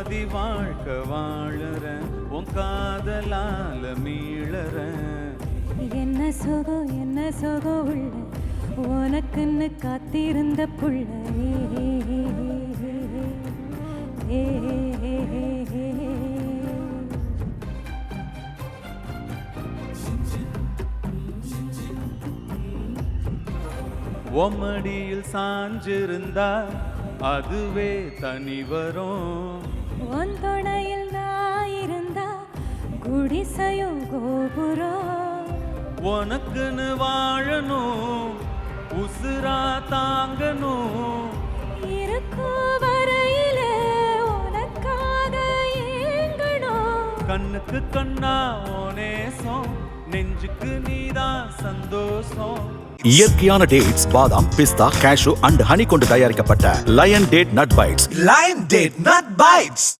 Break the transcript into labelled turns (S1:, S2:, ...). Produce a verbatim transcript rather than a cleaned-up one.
S1: பாதி வாழ்க்கை வாழற உன் காதலால மீளற.
S2: என்ன சுகம் என்ன சுகம் உள்ள உனக்குன்னு காத்திருந்த புள்ள.
S1: ஒம்மடியில் சாஞ்சிருந்தா அதுவே தனி வரும்.
S2: உன் துணையில் நான் இருந்தா குடிசையும் கோபுரம்.
S1: உனக்குன்னு வாழணும் உசுரா தாங்கணும்.
S2: இருக்கும் வரையில உனக்காக ஏங்கணும்.
S1: கண்ணுக்கு கண்ணா ஓனேசம் நெஞ்சுக்கு நீதான் சந்தோஷம்.
S3: இயற்கையான டேட்ஸ், பாதாம், பிஸ்தா, கேஷு அண்ட் ஹனி கொண்டு தயாரிக்கப்பட்ட Lion date nut bites.
S4: Lion date nut bytes.